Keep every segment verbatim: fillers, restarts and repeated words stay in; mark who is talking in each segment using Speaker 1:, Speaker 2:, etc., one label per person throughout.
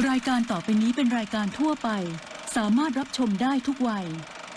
Speaker 1: รายการต่อไปนี้เป็นรายการทั่วไปสามารถรับชมได้ทุกวัย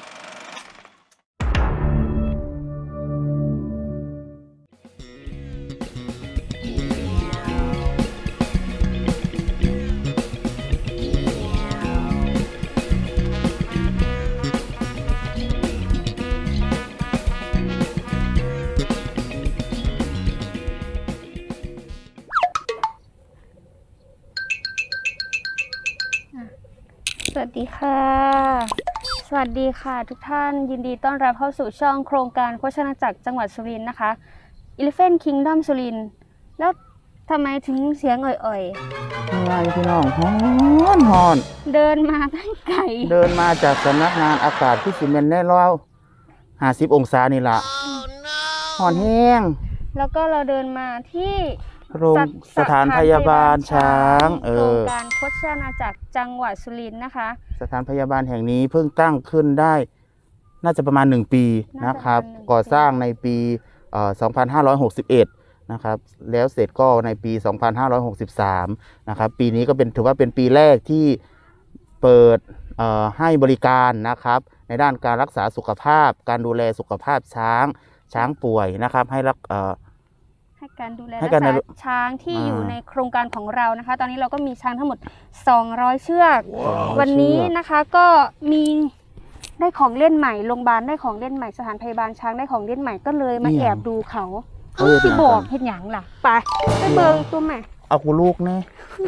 Speaker 2: สวัสดีค่ะสวัสดีค่ะทุกท่านยินดีต้อนรับเข้าสู่ช่องโครงการโฆษณาจักรจังหวัดสุรินทร์นะคะ Elephant Kingdom สุรินทร์แล้วทำไมถึงเสียงอ่อยๆ
Speaker 3: อะไรพี่น้องฮอนฮอน
Speaker 2: เดินมาตั้งไกล
Speaker 3: เดินมาจากสำนักงานอากาศที่ซีเมนต์แน่ร้อยห้าสิบองศานี่ละฮอนแห้ง
Speaker 2: แล้วก็เราเดินมาที่
Speaker 3: โรงสถานพยาบาลช้างเอ
Speaker 2: โครง
Speaker 3: อ
Speaker 2: การโฆษณาจักรจังหวัดสุรินทร์นะคะ
Speaker 3: สถานพยาบาลแห่งนี้เพิ่งตั้งขึ้นได้น่าจะประมาณหนึ่งปีนะครับก่อสร้างในปีสองพันห้าร้อยหกสิบเอ็ดนะครับแล้วเสร็จก็ในปีสองพันห้าร้อยหกสิบสามนะครับปีนี้ก็เป็นถือว่าเป็นปีแรกที่เปิดให้บริการนะครับในด้านการรักษาสุขภาพการดูแลสุขภาพช้างช้างป่วยนะครับให้รัก
Speaker 2: ให้การดูแลรักษาช้างที่อยู่ในโครงการของเรานะคะตอนนี้เราก็มีช้างทั้งหมดสองร้อยเชือกวันนี้นะคะก็มีได้ของเล่นใหม่โรงพยาบาลได้ของเล่นใหม่สถานพยาบาลช้างได้ของเล่นใหม่ก็เลยมาแอบดูเขาที่บอกเห็นหยังล่ะไปไปเบิงตัวใหม่
Speaker 3: เอากูลูกแน่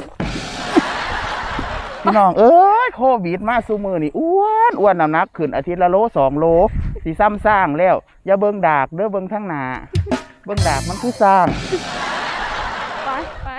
Speaker 3: พี่น้องเอ้ยโควิดมาซูมือนี่อ้วนอ้วนน้ำหนักขึ้นอาทิตย์ละโลสองโลสีซ้ำสร้างแล้วอย่าเบิ่งดากเด้อเบิ่งทั้งหน้าเบิ่งดากมันคือสร้าง
Speaker 2: ไปไป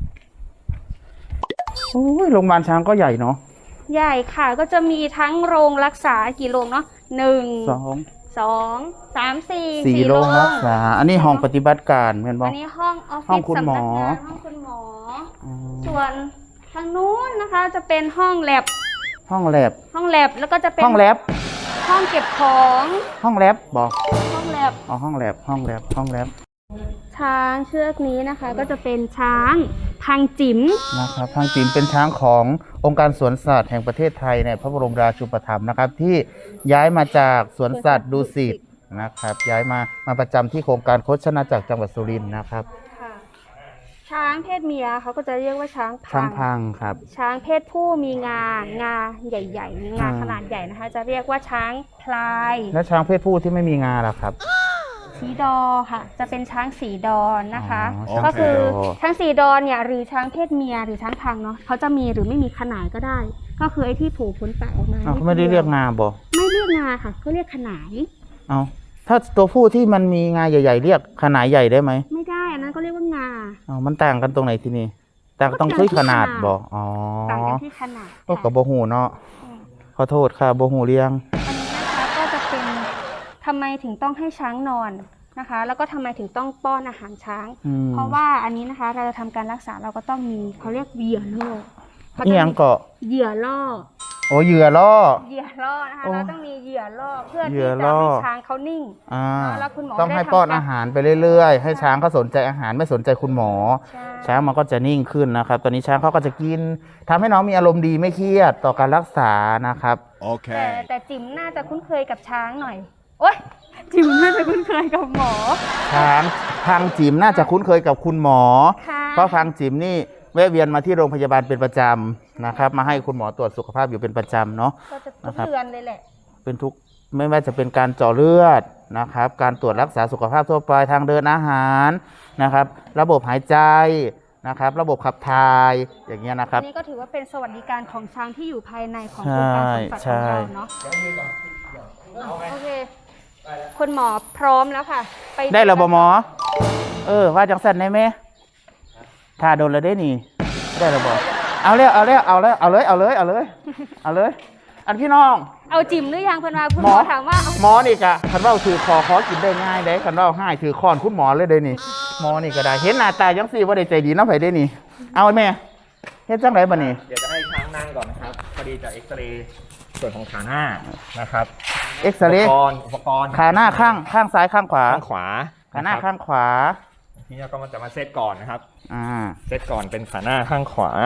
Speaker 3: โอ้ยโรงพยาบาลช้างก็ใหญ่เนาะ
Speaker 2: ใหญ่ค่ะก็จะมีทั้งโรงรักษากี่โรงเนาะหนึ่ง
Speaker 3: สอง
Speaker 2: สองสามสี่
Speaker 3: สี่โรงรักษาอันนี้ห้องปฏิบัติการเห็นบ่
Speaker 2: อันนี้ห้องออฟฟิศสำนักงานห้องคุณหมอส่วนทางนู้นนะคะจะเป็นห้องแลบ
Speaker 3: ห้องแลบ
Speaker 2: ห้องแลบแล้วก็จะเป็น
Speaker 3: ห้องแลบ
Speaker 2: ห้องเก็บของ
Speaker 3: ห้องแลบบอก
Speaker 2: ห้องแลบ
Speaker 3: อ๋อห้องแลบห้องแลบห้องแลบ
Speaker 2: ช้างเชือกนี้นะคะก็จะเป็นช้างพังจิ๋ม
Speaker 3: นะครับพังจิ๋มเป็นช้างขององค์การสวนสัตว์แห่งประเทศไทยในพระบรมราชูปถัมภ์นะครับที่ย้ายมาจากสวนสัตว์ดุสิตนะครับย้ายมามาประจำที่โครงการโฆษณาจักรจังหวัดสุรินทร์นะครับ
Speaker 2: ช้างเพศเมียเขาก็จะเรียกว่าช้างพัง
Speaker 3: ช้างพังครับ
Speaker 2: ช้างเพศผู้มีงางาใหญ่ๆงาขนาดใหญ่นะคะจะเรียกว่าช้างพลาย
Speaker 3: และช้างเพศผู้ที่ไม่มีงาล่ะครับ
Speaker 2: สีดอค่ะจะเป็นช้างสีดอนนะคะก็คือช้างสีดอนเนี่ยหรือช้างเพศเมียหรือช้างพังเนาะเขาจะมีหรือไม่มีขนายก็ได้ก็คือไอ้ที่ผูกขนปากออกมา
Speaker 3: เขาไม่ได้เรียกงาบ่
Speaker 2: ไม่เรียกงาค่ะเขาเรียกขนาย
Speaker 3: เอาถ้าตัวผู้ที่มันมีงาใหญ่ๆเรียกขนายใหญ่ได้ไหม
Speaker 2: ไม่ได้อันนั้นก็เรียกว่างา
Speaker 3: อ๋อมันต่างกันตรงไหนทีนี้ต่างต้องที่ขนาดบ่อ๋อ
Speaker 2: ต่างกันที่ขนาด
Speaker 3: ก็กับบ่หูเนาะขอโทษค่ะบ่หูเลี้ยง
Speaker 2: อันนี้นะคะก็จะเป็นทำไมถึงต้องให้ช้างนอนนะคะแล้วก็ทำไมถึงต้องป้อนอาหารช้างเพราะว่าอันนี้นะคะเราจะทำการรักษาเราก็ต้องมีเขาเรียกเหยื่อล่อ
Speaker 3: นี่ยังเกาะ
Speaker 2: เหยื่อล่อ
Speaker 3: โอ้เหยื่อล่อ
Speaker 2: เหยื่อล่อนะคะเราต้องมีเหยื่อล่อเพื่อที่จะให้ช้างเขานิ่ง
Speaker 3: แล้วคุณหมอต้องให้ป้อนอาหารไปเรื่อยๆให้ช้างเขาสนใจอาหารไม่สนใจคุณหมอช้างมันก็จะนิ่งขึ้นนะครับตอนนี้ช้างเขาก็จะกินทำให้น้องมีอารมณ์ดีไม่เครียดต่อการรักษานะครับ
Speaker 2: โอเคแต่แต่จิ๋มน่าจะคุ้นเคยกับช้างหน่อยโอ๊ยจิ๋มน่าจะคุ้นเคยกับหมอ
Speaker 3: ช้างพังจิ๋มน่าจะคุ้นเคยกับคุณหมอเพราะพังจิ๋มนี่แวะเวียนมาที่โรงพยาบาลเป็นประจำนะครับมาให้คุณหมอตรวจสุขภาพอยู่เป็นประจำเนาะ
Speaker 2: ก็จะทุกเดือนเลยแหละ
Speaker 3: เป็นทุกไม่ว่าจะเป็นการเจาะเลือดนะครับการตรวจรักษาสุขภาพทั่วไปทางเดินอาหารนะครับระบบหายใจนะครับระบบขับถ่ายอย่างเงี้ยนะครับ
Speaker 2: นี่ก็ถือว่าเป็นสวัสดิการของช้างที่อยู่ภายในของโครงการสวนสัตว์ของเราเนาะโอเคคุณหมอพร้อมแล้วค่ะ
Speaker 3: ไปได้แล้วบ่หมอเออว่าจังสันได้ไหมถ้าโดนแล้วได้นี่ได้แล้วบ่เอาเลยเอาเลยเอาเลยเอาเลยเอาเลยเอาเลยเอาเลยอันพี่น้อง
Speaker 2: เอาจิ๋มหรือยังเพื่อนมาคุณหมอถามว่า
Speaker 3: หมอนี่กะคันว่าถือคอคอกินได้ง่ายได้คันว่าให้ถือคอนคุณหมอเลยได้นี่หมอนี่ก็ได้เห็นหน้าตายังสี่ว่าได้ใจดีน้ำไผ่ได้นี่เอาแม่เฮ็ดจังไรบ่นี่
Speaker 4: เดี๋ยวจะให้ช้างนั่งก่อนนะครับพอดีจะเอ็กซเรย์ส่วนของขาหน้านะครับ
Speaker 3: เอ็กซเรย์อุปกรณ์อุปกรณ์ขาหน้าข้างข้างซ้ายข้างขวา
Speaker 4: ข้างขวา
Speaker 3: ขาหน้าข้างขวา
Speaker 4: ทีนี้ก็มันจะมาเซตก่อนนะครับอ่าเซตก่อนเป็นขาหน้าข้างขวา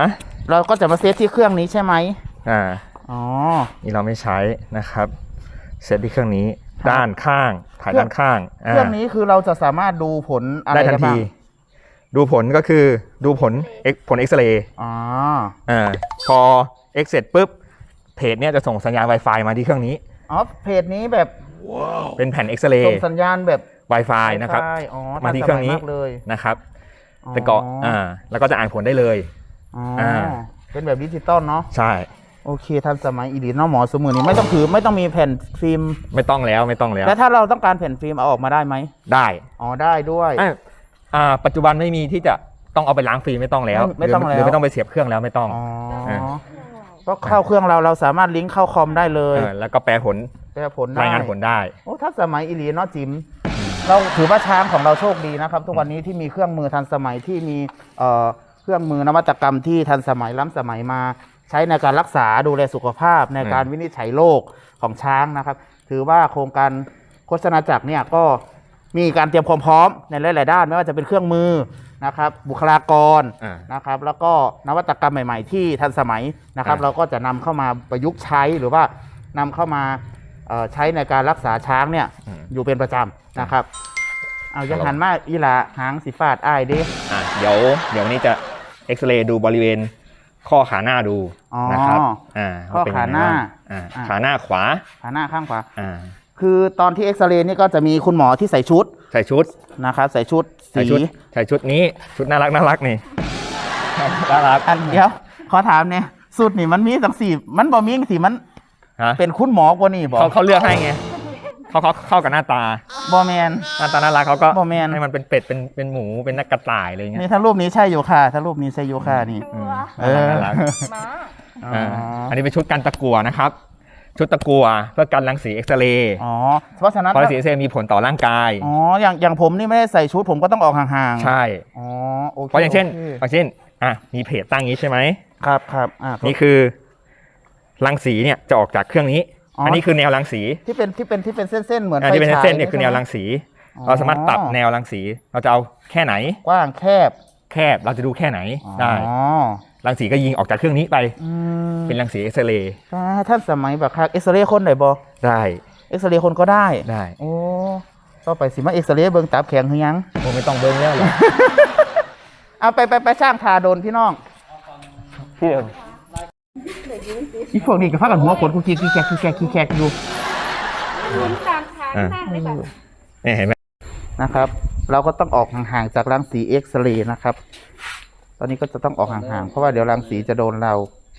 Speaker 3: เราก็จะมาเซตที่เครื่องนี้ใช่ไหม
Speaker 4: อ่า
Speaker 3: อ๋อ
Speaker 4: นี่เราไม่ใช้นะครับเซตที่เครื่องนี้ด้านข้างถ่ายด้านข้าง
Speaker 3: เครื่องนี้คือเราจะสามารถดูผลอะไร
Speaker 4: ได้ทัน
Speaker 3: ได้บ้า
Speaker 4: ที
Speaker 3: ง
Speaker 4: ดูผลก็คือดูผล X ผลเอ็กซเรย์
Speaker 3: อ๋อ
Speaker 4: อ่าพอ X เสร็จปุ๊บเพจเนี่ยจะส่งสัญญาณ Wi-Fi มาที่เครื่องนี้
Speaker 3: อ๋อเพจนี้แบบ
Speaker 4: เป็นแผ่นเอ็กซเร
Speaker 3: ส่
Speaker 4: ย์
Speaker 3: งสัญญาณแบบ
Speaker 4: Wi-Fi นะครับ
Speaker 3: Wi-Fi อ๋อ
Speaker 4: มาที่เครื่องนี้
Speaker 3: ทัสมัยมากเลย
Speaker 4: นะครับแต่ก็อ่าแล้วก็จะอ่านผลได้เลย
Speaker 3: อ๋ออา เป็นแบบดิจิตอลเนาะ
Speaker 4: ใช่
Speaker 3: โอเคทันสมัยอีดีเนาะหมอสมือนี้ไม่ต้องถือไม่ต้องมีแผ่นฟิล์ม
Speaker 4: ไม่ต้องแล้วไม่ต้องแล้ว
Speaker 3: แล้วถ้าเราต้องการแผ่นฟิล์มเอาออกมาได้ไหม
Speaker 4: ได้
Speaker 3: อ๋อได้ด้วย
Speaker 4: อ่ะอ่าปัจจุบันไม่มีที่จะต้องเอาไปล้างฟรีไม่ต้องแล้ว
Speaker 3: ไม่ไม่ต้อง
Speaker 4: หรื
Speaker 3: แล้ว
Speaker 4: หรือไม่ต้องไปเสียบเครื่องแล้วไม่ต้อง
Speaker 3: อ๋อ
Speaker 4: อ่า
Speaker 3: ก็เข้าเครื่องเราเราสามารถลิงก์เข้าคอมได้เลย
Speaker 4: เออแล้วก็แปลผล
Speaker 3: แปลผลได้
Speaker 4: รายงานผลได้
Speaker 3: โอ้ทันสมัยอีหลีเนาะจิมเราถือว่าช้างของเราโชคดีนะครับ ทุกวันนี้ที่มีเครื่องมือทันสมัยที่มีเอ่อเครื่องมือนวัตกรรมที่ทันสมัยล้ำสมัยมาใช้ในการรักษาดูแลสุขภาพในการวินิจฉัยโรคของช้างนะครับ ถือว่าโครงการโฆษณาจักรเนี่ยก็มีการเตรียมความพร้อมในหลายๆด้านไม่ว่าจะเป็นเครื่องมือนะครับ บุคลากร
Speaker 4: อ่า
Speaker 3: นะครับ แล้วก็นวัตกรรมใหม่ๆ ที่ทันสมัยนะครับ
Speaker 4: อ่า
Speaker 3: เราก็จะนำเข้ามาประยุกต์ใช้หรือว่านำเข้ามาเอ่อใช้ในการรักษาช้างเนี่ยอยู่เป็นประจำนะครับ เอายังหันมาอีหลาหางสีฟาดอ้ายเด้
Speaker 4: อ่ะเดี๋ยวเดี๋ยววันนี้จะเอ็กซเรย์ดูบริเวณข้อขาหน้าดู
Speaker 3: อ๋อ
Speaker 4: นะครับอ่า
Speaker 3: ข้อ
Speaker 4: ว่เป็
Speaker 3: ขา
Speaker 4: ยังไง
Speaker 3: หน้า
Speaker 4: บ้งอ่า
Speaker 3: อ่า
Speaker 4: ขาหน้าขวา
Speaker 3: ขาหน้าข้างขวา
Speaker 4: อ่า
Speaker 3: คือตอนที่เอ็กซเรย์นี่ก็จะมีคุณหมอที่ใส่ชุด
Speaker 4: ใส่ชุด
Speaker 3: นะครับใส่ชุด
Speaker 4: ใส่
Speaker 3: สี
Speaker 4: ชุดใส่ชุดนี้ชุดน่ารักน่ารักนี่น่ารัก
Speaker 3: อันเดียวขอถามเนี่ยสูตรนี่มันมีสังสีมันบ่มีสีมัน
Speaker 4: ฮะ
Speaker 3: เป็นคุณหมอกว่านี่บ่
Speaker 4: เขาเขาเลือกให้ไงเขาเขาเข้ากับหน้าตา
Speaker 3: บ่แมน
Speaker 4: หน้าตาน่ารักเขาก็
Speaker 3: บ่แม่น
Speaker 4: ให้มันเป็นเป็ดเป็นเป็นหมูเป็นนักกระต่ายอะไรเงี้ย
Speaker 3: นี่ถ้ารูปนี้ใช่อยู่ค่ะถ้ารูปนี้ใช่อยู่ค่ะนี่
Speaker 4: อืม
Speaker 3: เออ
Speaker 4: น่ารัก
Speaker 2: ม้า
Speaker 3: อ๋อ
Speaker 4: อ่าอันนี้เป็นชุดกันตะกั่วนะครับ ชุดตะกั่วเพื่อกันรังสีเอ็กซเรย์
Speaker 3: อ๋อเพราะฉะนั้น
Speaker 4: เพราะรังสีเอ็กซเรย์มีผลต่อร่างกาย
Speaker 3: อ๋ออย่างอย่างผมนี่ไม่ได้ใส่ชุดผมก็ต้องออกห่างๆ
Speaker 4: ใช่
Speaker 3: อ๋อโอเค
Speaker 4: เพราะอย่างเช่น
Speaker 3: โค
Speaker 4: อย่างเช่นอ่ะมีเพจตั้งอย่างนี้ใช่ไหม
Speaker 3: ครับครับอ่า
Speaker 4: นี่คือรังสีเนี่ยจะออกจากเครื่องนี้
Speaker 3: อ๋ออั
Speaker 4: อันนี้คือแนวรังสี
Speaker 3: ที่เป็นที่เป็นที่เป็นเส้นๆเหมือน
Speaker 4: อันที่เป็น
Speaker 3: ไฟฉาย
Speaker 4: เส้นๆเนี่ยคือแนว
Speaker 3: ใช่ไหม
Speaker 4: รังสี
Speaker 3: อ๋อ
Speaker 4: เราสามารถปรับแนวรังสี เราจะเอาแค่ไหน
Speaker 3: กว้างแคบ
Speaker 4: แคบเราจะดูแค่ไหนได้
Speaker 3: อ๋อ
Speaker 4: รังสีก็ยิงออกจากเครื่องนี้ไป
Speaker 3: อืม
Speaker 4: เป็นรังสีเอ็กซเรย์
Speaker 3: อ่าท่านสมัยแบบคักเอ็กซเรย์คนไหนบ่
Speaker 4: ได้
Speaker 3: เอ็กซเรย์คนก็ได้
Speaker 4: ได้
Speaker 3: โอ้ต่อไปสิมาเอ็กซเรย์เบิ่งตับแข็งหรือยัง
Speaker 4: โอ้ไม่ต้องเบิ้งแล้วหรอก
Speaker 3: เอาไปไปไปสร้างทาโดนพี่น้อง
Speaker 4: พี่เดิม
Speaker 3: อีพวกนี้ก็พากันหัวขนกูขี้ขี้แกกขี้แกกขี้แกกอยู่
Speaker 2: หมุนตามทางข้างเลยแบบ
Speaker 4: เนี่ยเห็นไหม
Speaker 3: นะครับ เราก็ต้องออกห่างๆจากรังสีเอ็กซเรย์นะครับ ตอนนี้ก็จะต้องออกห่างๆเพราะว่าเดี๋ยวรังสีจะโดนเรา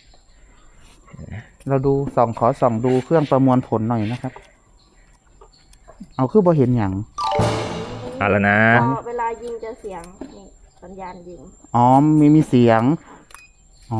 Speaker 3: เราดูส่องขอส่องดูเครื่องประมวลผลหน่อยนะครับ เอาคือบ่เห็นอย่าง
Speaker 4: อ่ะแล้วนะ
Speaker 2: เวลายิงจะเสียงนี่สัญญาณยิง
Speaker 3: อ๋อมีมีเสียง อ๋อ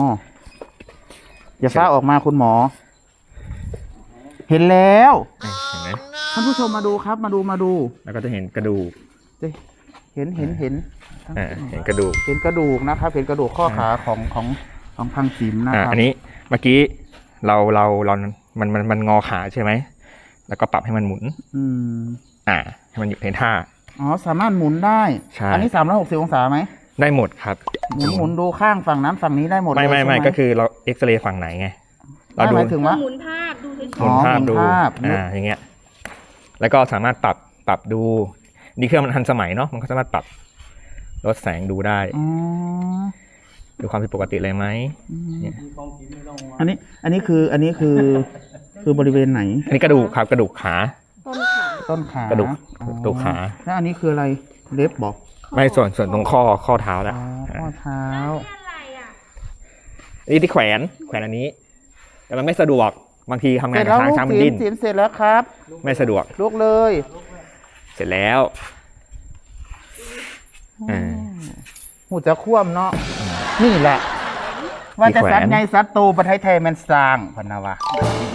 Speaker 3: อย่าฟ้าออกมาคุณหมอ เห็นแล้ว
Speaker 4: เห็นไหม
Speaker 3: ท่านผู้ชมมาดูครับ มาดูมาดู
Speaker 4: แล้วก็จะเห็นกระดูก
Speaker 3: เห็นเห็นเห็น
Speaker 4: อ่าเห็นกระดูก
Speaker 3: เห็นกระดูกนะครับ เห็นกระดูกข้อขาของของของพังศิมนะ
Speaker 4: อ่า
Speaker 3: ครับ
Speaker 4: อันนี้เมื่อกี้เราเราเรามันมันมันงอขาใช่ไหมแล้วก็ปรับให้มันหมุน
Speaker 3: อืม
Speaker 4: อ่าให้มันอยู่ในท่า
Speaker 3: อ๋อ สามารถหมุนได้
Speaker 4: ใช่
Speaker 3: อันนี้สามร้อยหกสิบองศาไหม
Speaker 4: ได้หมดครับ
Speaker 3: หมุนหมุนดูข้างฝั่งนั้นฝั่งนี้ได้หมดเลย
Speaker 4: ไม่ไม่ไม่
Speaker 3: ใช่ห
Speaker 4: ก็คือเราเอ็กซเรย์ฝั่งไหนไงเรา
Speaker 3: ไม่
Speaker 4: ดู
Speaker 3: หมายถึงว่า
Speaker 2: หมุนภาพดูเฉย
Speaker 4: หมุนภาพ
Speaker 3: อ๋อหมุน
Speaker 4: ดู
Speaker 3: ภาพ
Speaker 4: อ่าอย่างเงี้ยแล้วก็สามารถปรับปรับดูนี่เครื่องมันทันสมัยเนาะมันก็สามารถปรับลดแสงดูได้
Speaker 3: อ๋อ
Speaker 4: ดูความผิดปกติอะไรไหม เนี่ย
Speaker 3: อันนี้ อันนี้คือ อันนี้คือ คือบริเวณไหน
Speaker 4: อันนี้กระดูกครับกระดูกขา
Speaker 2: ๆต้นขา
Speaker 3: ต้นขาก
Speaker 4: ระดูก
Speaker 3: อ๋อก
Speaker 4: ระดูกขา
Speaker 3: แล้วอันนี้คืออะไร เล็บบอก
Speaker 4: ไม่ส่วนส่วนตรงข้อข้อเท้าแล้ว
Speaker 3: อ๋อ ข้อเท้า
Speaker 2: อะไรอ่ะ
Speaker 4: อันนี้ที่แขวนแขวนอันนี้ แต่มันไม่สะดวกบางทีทำ
Speaker 3: เส
Speaker 4: งา
Speaker 3: ร็
Speaker 4: น
Speaker 3: จ
Speaker 4: กับ
Speaker 3: แล้ว
Speaker 4: ช้าง
Speaker 3: ลูก
Speaker 4: ช้างมัน
Speaker 3: ศิ
Speaker 4: ดิ้
Speaker 3: ม
Speaker 4: น
Speaker 3: ศิมเสร็จแล้วครับ
Speaker 4: ไม่สะดวก
Speaker 3: ลุกเลย
Speaker 4: เสร็จแล้วอ่า
Speaker 3: หูจะคว่ำเนาะ นี่แหละ ว่าจะสัตว์ไงสัตว์โตประเทศไทยมันสร้างพนนะวะ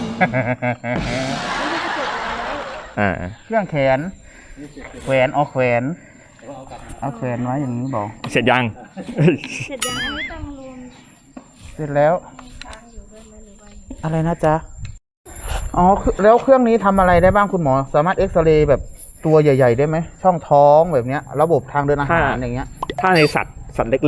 Speaker 4: อ่า
Speaker 3: เครื่องแขน แขวนเอาแขวน เอาแขวนไว้อย่างนี้บอก
Speaker 4: เสร็จยัง
Speaker 2: เสร็จยังอันนี้ต้องรวม
Speaker 3: เสร็จแล้ว
Speaker 2: ช้างอยู่ด้วยไหมหรือว่า
Speaker 3: อะไรนะจ๊ะ อ๋อคือแล้วเครื่องนี้ทำอะไรได้บ้างคุณหมอ สามารถเอ็กซเรย์แบบตัวใหญ่ ๆ ได้ไหม ช่องท้องแบบเนี้ย ระบบทางเดินอาหาร
Speaker 4: ค่ะ
Speaker 3: อย่างเงี้ย
Speaker 4: ถ้าในสัตว์สัตว์เล็ก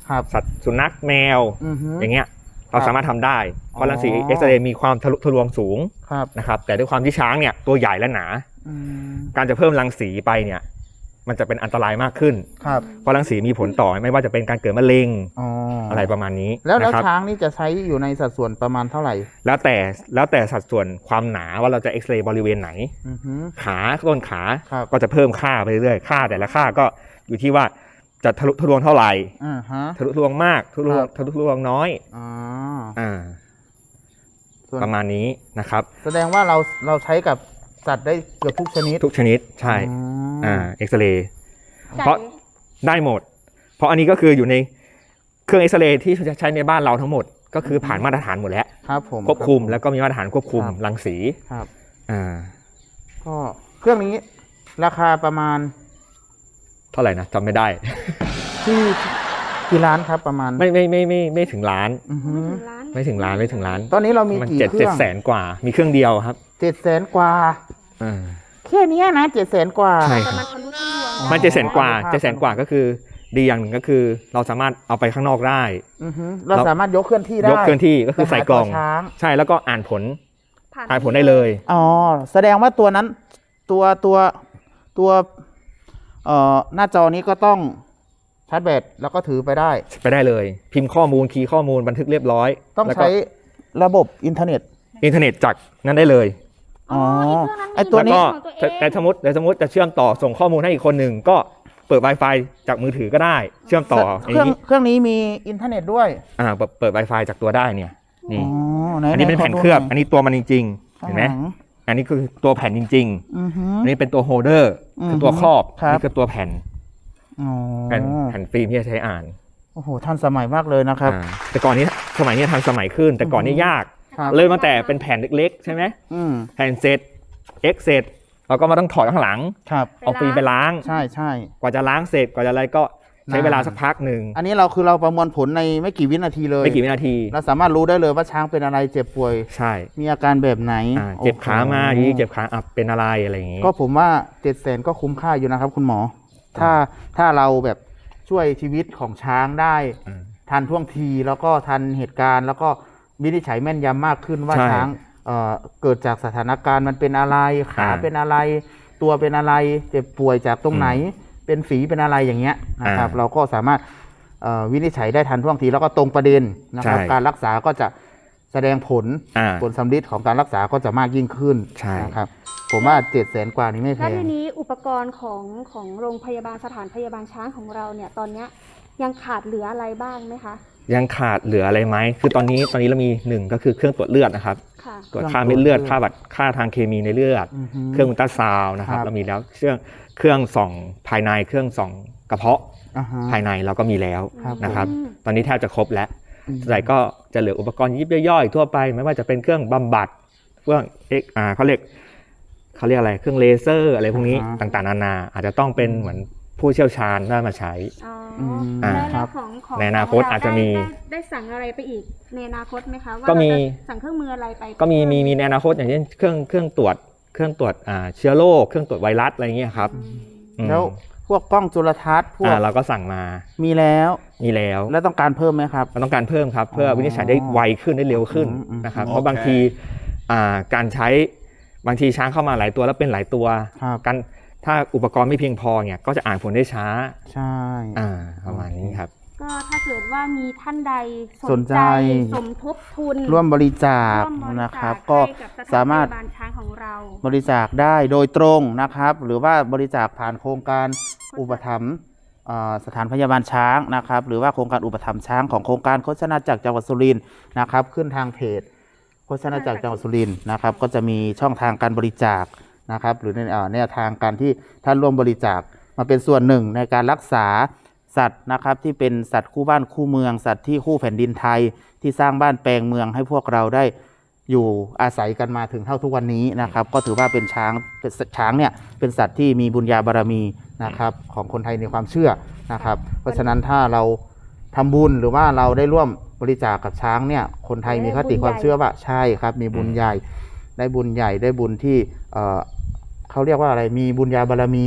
Speaker 3: ครับ
Speaker 4: สัตว์สุนัขแมว
Speaker 3: อือฮึ
Speaker 4: อย่างเงี้ยเราสามารถทำได้เพราะรังสี
Speaker 3: อ๋อ
Speaker 4: เอ็กซเรย์มีความทะลุทะลวงสูง
Speaker 3: ครับ
Speaker 4: นะครับแต่ด้วยความที่ช้างเนี่ยตัวใหญ่และหนา
Speaker 3: อืม
Speaker 4: การจะเพิ่มรังสีไปเนี่ยมันจะเป็นอันตรายมากขึ้น
Speaker 3: ครับ
Speaker 4: เพราะรังสีมีผลต่อไม่ว่าจะเป็นการเกิดมะเร็ง
Speaker 3: อ๋ออ
Speaker 4: อะไรประมาณนี้
Speaker 3: แล้วแล้ว
Speaker 4: นะครับ
Speaker 3: ช้างนี่จะใช้อยู่ในสัดส่วนประมาณเท่าไหร่
Speaker 4: แล้วแต่แล้วแต่สัดส่วนความหนาว่าเราจะเอ็กซเรย์บริเวณไหน
Speaker 3: อือฮึ
Speaker 4: ขาต้นขา
Speaker 3: ครับ
Speaker 4: ก็จะเพิ่มค่าไปเรื่อยๆค่าแต่ละค่าก็อยู่ที่ว่าจะทะลุทะลวงเท่าไหร่
Speaker 3: อ่าฮะ
Speaker 4: ทะลุทะลวงมากทะลุทะลวง
Speaker 3: ครับ
Speaker 4: ทะลุทะลวงน้อย
Speaker 3: อ๋อ
Speaker 4: อ่า
Speaker 3: ส่วน
Speaker 4: ประมาณนี้นะครับ
Speaker 3: แสดงว่าเราเราใช้กับสัตว์ได้เกือบทุกชนิด
Speaker 4: ทุกชนิดใช่
Speaker 3: อ๋อ
Speaker 4: อ่าเอ็กซเรย์
Speaker 2: ไก่
Speaker 4: เพราะ ได้หมด เพราะอันนี้ก็คืออยู่ในเครื่องเอ็กซเรย์ที่ใช้ในบ้านเราทั้งหมด ก็คือผ่านมาตรฐานหมดแล้ว
Speaker 3: ครับผม
Speaker 4: ควบคุม
Speaker 3: รับ
Speaker 4: แล้วก็มีมาตรฐานควบคุม
Speaker 3: ครับ
Speaker 4: รังสี
Speaker 3: ครับ
Speaker 4: อ่า
Speaker 3: ก็เครื่องนี้ราคาประมาณ
Speaker 4: เท่าไหร่นะจำไม่ได้
Speaker 3: ที่กี่ล้านครับประมาณ
Speaker 4: ไม่ไม่ไม่ไม่ไม่ถึงล้าน
Speaker 3: อือฮึ
Speaker 2: ไม่ถึงล้าน
Speaker 4: ไม่ถึงล้านไม่ถึงล้าน
Speaker 3: ตอนนี้เรามี
Speaker 4: มัน
Speaker 3: กี่
Speaker 4: เจ็ด
Speaker 3: เครื่
Speaker 4: เจ็ด
Speaker 3: อง
Speaker 4: แสนกว่า มีเครื่องเดียวครับ
Speaker 3: เจ็ดแสนกว่า
Speaker 4: อ่า
Speaker 3: แค่เนี้ยนะเจ็ดแสนกว่า
Speaker 4: ใช่
Speaker 2: แต่มันทะลุทะลวง
Speaker 3: อ๋อ
Speaker 4: มันเจ็ดแสนกว่า
Speaker 3: ครับ
Speaker 4: เจ็ดแสนกว่าก็คือ ดีอย่างหนึ่งก็คือ เราสามารถเอาไปข้างนอกได้
Speaker 3: อือฮึเรา
Speaker 4: เรา
Speaker 3: สามารถยกเคลื่อนที่ได้
Speaker 4: ยกเคลื่อนที่ก็คือใส่กล่อง
Speaker 3: ไปหาตัวช้าง
Speaker 4: ใช่แล้วก็อ่านผล
Speaker 2: ผ่าน
Speaker 4: อ่านผลได้เลย
Speaker 3: อ๋อแสดงว่าตัวนั้นตัวตัวตัวเอ่อหน้าจอนี้ก็ต้องชาร์จแบตแล้วก็ถือไปได้
Speaker 4: ไปได้เลย พิมพ์ข้อมูลคีย์ข้อมูลบันทึกเรียบร้อย
Speaker 3: ต้อง
Speaker 4: แล้วก็
Speaker 3: ใช้ระบบอินเทอร์เน็ต
Speaker 4: อินเทอร์เน็ตจากนั้นได้เลย
Speaker 2: อ๋อ
Speaker 3: อ
Speaker 2: ไอ้เครื่องนั้นมี
Speaker 3: ไอ้ตัวนี้
Speaker 4: ก็
Speaker 2: ของตัวเอ
Speaker 4: แต่
Speaker 2: ง
Speaker 4: แต่สมมติแต่สมมติจะเชื่อมต่อส่งข้อมูลให้อีกคนหนึ่งก็เปิด Wi-Fi จากมือถือก็ได้ เชื่อมต่อ
Speaker 3: เครื่อง
Speaker 4: นี้
Speaker 3: เครื่องนี้มีอินเทอร์เน็ตด้วย
Speaker 4: อ่าเปิดเปิด Wi-Fi จากตัวได้เนี่ยนี่
Speaker 3: อ๋อไห
Speaker 4: อันนี้เป็นแผ่นเคลือบ อันนี้ตัวมันจริงๆ
Speaker 3: ข้า
Speaker 4: เห็
Speaker 3: ง
Speaker 4: นไหม
Speaker 3: ลัง
Speaker 4: อันนี้คือตัวแผ่นจริง
Speaker 3: อือฮึ
Speaker 4: ๆ อันนี้เป็นตัวโฮลเดอร์
Speaker 3: อือฮึ
Speaker 4: คือตัวครอบ
Speaker 3: ครับ
Speaker 4: นี่คือตัวแผ่น
Speaker 3: อ๋อ
Speaker 4: แผ่นแผ่นฟิล์มที่จะใช้อ่าน
Speaker 3: โอ้โหทันสมัยมากเลยนะครับ
Speaker 4: อ่าแต่ก่อนนี้สมัยนี้ทันสมัยขึ้น แต่ก่อนนี้ยาก
Speaker 3: ครับ
Speaker 4: เริ่มตั้งแต่เป็นแผ่นเล็กๆ ใช่ไหม
Speaker 3: อืม
Speaker 4: แผ่นเสร็จเอ็กเสร็จเราก็มาต้องถอดข้างหลัง
Speaker 3: ครับ
Speaker 4: เอาฟิล์มไปล้าง
Speaker 3: ใช่ใช่
Speaker 4: กว่าจะล้างเสร็จกว่าจะอะไรก็ใช้
Speaker 3: นาน
Speaker 4: เวลาสักพักหนึ่ง
Speaker 3: อันนี้เราคือเราประมวลผลในไม่กี่วินาทีเลย
Speaker 4: ไม่กี่วินาที
Speaker 3: เราสามารถรู้ได้เลยว่าช้างเป็นอะไรเจ็บป่วย
Speaker 4: ใช่
Speaker 3: มีอาการแบบไหน
Speaker 4: อ่าเจ็บขามา
Speaker 3: โอ้โห
Speaker 4: ยีเจ็บขาอับเป็นอะไรอะไรอย่างงี้
Speaker 3: ก็ผมว่าเจ็ดแสนก็คุ้มค่าอยู่นะครับ คุณหมอ ถ้าถ้าเราแบบช่วยชีวิตของช้างได้
Speaker 4: อืม
Speaker 3: ทันท่วงทีแล้วก็ทันเหตุการณ์ แล้วก็วินิจฉัยแม่นยำมากขึ้นว่า
Speaker 4: ใช่
Speaker 3: ช้างเอ่อเกิดจากสถานการณ์มันเป็นอะไรขา
Speaker 4: อ่า
Speaker 3: เป็นอะไร ตัวเป็นอะไรเจ็บป่วยจากตรงไหน เป็นฝีเป็นอะไรอย่างเงี้ยนะครับ
Speaker 4: อ่า
Speaker 3: เราก็สามารถเอ่อวินิจฉัยได้ทันท่วงทีแล้วก็ตรงประเด็นนะครับ
Speaker 4: ใช่
Speaker 3: การรักษาก็จะแสดงผล
Speaker 4: อ่า
Speaker 3: ผลสำลิดของการรักษาก็จะมากยิ่งขึ้น
Speaker 4: ใช่
Speaker 3: นะครับ ผมว่าเจ็ดแสนกว่านี้ไม่แพ
Speaker 2: แล้ว
Speaker 3: ง
Speaker 2: ทีนี้อุปกรณ์ของของโรงพยาบาลสถานพยาบาลช้างของเราเนี่ยตอนเนี้ยยังขาดเหลืออะไรบ้างไหมคะ
Speaker 4: ยังขาดเหลืออะไรไหมคือตอนนี้ตอนนี้เรามีหนึ่งก็คือเครื่องตรวจเลือดนะครับ
Speaker 2: ค่ะ
Speaker 4: ตรวจ
Speaker 3: เครื่อง
Speaker 4: ค่าเม็ดเลือด
Speaker 3: ตรวจเลือด
Speaker 4: ค่าบัตรค่าทางเคมีในเลือด
Speaker 3: อือฮึ
Speaker 4: เครื่องอุลตราซาวน์นะครับ
Speaker 3: ครับ
Speaker 4: เรามีแล้วเครื่องเครื่องส่องภายในเครื่องส่องกระเพาะ
Speaker 3: อ่าฮะ
Speaker 4: ภายในเราก็มีแล้ว
Speaker 3: ครับ
Speaker 4: นะครับ
Speaker 2: อืม
Speaker 4: ตอนนี้แทบจะครบแล้ว
Speaker 3: อืม
Speaker 4: ส่วนใหญ่ก็จะเหลืออุปกรณ์ยิบย่อยๆทั่วไป ไม่ว่าจะเป็นเครื่องบำบัดเครื่องเอ็กอ่าเขาเรียกเขาเรียกอะไรเครื่องเลเซอร์อะไรพวกนี้
Speaker 3: อ่าฮะ
Speaker 4: ต่างๆนานาอาจจะต้องเป็นเหมือนผู้เชี่ยวชาญได้มาใช้
Speaker 2: อ๋ออ
Speaker 3: ม
Speaker 2: แล้ว
Speaker 3: ครั
Speaker 2: แล้ว
Speaker 3: บ
Speaker 2: ของของ
Speaker 4: ในอนาคต
Speaker 2: ขงเร
Speaker 4: อาจจะมี
Speaker 2: ได้ได้ได้สั่งอะไรไปอีกในอนาคตไหมคะว่า
Speaker 4: ก็มี
Speaker 2: เราจะสั่งเครื่องมืออะไรไป
Speaker 4: ก็มีมีมีในอนาคตอย่างเช่นเครื่องเครื่องตรวจเครื่องตรวจอ่าเชื้อโรคเครื่องตรวจไวรัสอะไรเงี้ยครับอืม
Speaker 3: แล้วพวกกล้องจุลทรรศน์พวก
Speaker 4: อ่าเราก็สั่งมา
Speaker 3: มีแล้ว
Speaker 4: มีแล้ว
Speaker 3: แล้วต้องการเพิ่มไหมครับ
Speaker 4: เราต้องการเพิ่มครับ เพื่อวินิจฉัยได้ไวขึ้นได้เร็วขึ้น
Speaker 3: อืมอืม
Speaker 4: นะครับ
Speaker 5: โอเค
Speaker 4: เพราะบางทีอ่าการใช้บางทีช้างเข้ามาหลายตัวแล้วเป็นหลายตัว
Speaker 3: ครับ
Speaker 4: การถ้าอุปกรณ์ไม่เพียงพอเนี่ยก็จะอ่านผลได้ช้า
Speaker 3: ใช่
Speaker 4: อ่าประมาณนี้ครับ
Speaker 2: ก็ถ้าเกิดว่ามีท่านใด
Speaker 3: สนใจ
Speaker 2: สมทบทุน
Speaker 3: ร่วมบริจาค
Speaker 2: ร่วมบริจา
Speaker 3: นะครับ
Speaker 2: ให้
Speaker 3: ก็
Speaker 2: กับสถน
Speaker 3: สามารถ
Speaker 2: พยบาลช้างของเรา
Speaker 3: บริจาคได้โดยตรงนะครับ หรือว่าบริจาคผ่านโครงการอุปถัมภ์เอ่อสถานพยาบาลช้างนะครับ หรือว่าโครงการอุปถัมภ์ช้างของโครงการโฆษณาจักรจังหวัดสุรินทร์นะครับ ขึ้นทางเพจโฆษณาจักรจังหวัดสุรินทร์นะครับ ก็จะมีช่องทางการบริจาคนะครับ หรือในเอ่อแนวทางการที่ท่านร่วมบริจาคมาเป็นส่วนหนึ่งในการรักษาสัตว์นะครับ ที่เป็นสัตว์คู่บ้านคู่เมือง สัตว์ที่คู่แผ่นดินไทย ที่สร้างบ้านแปลงเมืองให้พวกเราได้อยู่อาศัยกันมาถึงเท่าทุกวันนี้นะครับ ก็ถือว่าเป็นช้างเป็นสัตว์ช้างเนี่ยเป็นสัตว์ที่มีบุญญาบารมีนะครับของคนไทยในความเชื่อนะครับ เพราะฉะนั้นถ้าเราทำบุญหรือว่าเราได้ร่วมบริจาคกับช้างเนี่ยคนไทยมีคติความเชื่อว่าใช่ครับ มีบุญใหญ่ ได้บุญใหญ่ได้บุญที่เอ่อเขาเรียกว่าอะไรมีบุญญาบารมีอ่ะ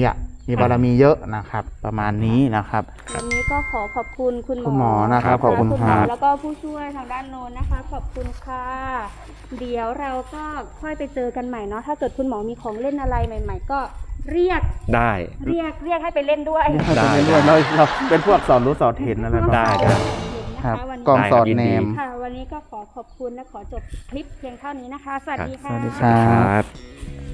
Speaker 3: มีบารมีเยอะนะครับ ประมาณนี้นะครับ
Speaker 2: วันนี้ก็ขอขอบคุณคุณหมอ
Speaker 3: คุณหมอนะครับขอบคุณ
Speaker 2: ณหม
Speaker 3: ครับ
Speaker 2: แล้วก็ผู้ช่วยทางด้านโน้นนะคะ ขอบคุณค่ะ เดี๋ยวเราก็ค่อยไปเจอกันใหม่เนาะถ้าเกิดคุณหมอมีของเล่นอะไรใหม่ ๆ ก็เรียก
Speaker 4: ได้
Speaker 2: เรียกเรียกให้ไปเล่นด้วย
Speaker 4: ได้
Speaker 3: ด้วยเราเราเป็นพวกสอนรู้สอนเห็นอะไรประ
Speaker 4: ได้
Speaker 3: มาณ
Speaker 4: ได้
Speaker 3: นี้
Speaker 2: นะ
Speaker 3: ครั
Speaker 2: คะ
Speaker 3: บ
Speaker 2: วัน
Speaker 3: กล้อง
Speaker 2: นี้
Speaker 3: สอด
Speaker 4: ยิน
Speaker 3: แน
Speaker 4: ดี
Speaker 3: ม
Speaker 2: ค่ะ วันนี้ก็ขอขอบคุณและขอจบคลิปเพียงเท่านี้นะคะ สวัสดีค่ะ
Speaker 3: สวัสดี
Speaker 4: สวัสดีครับ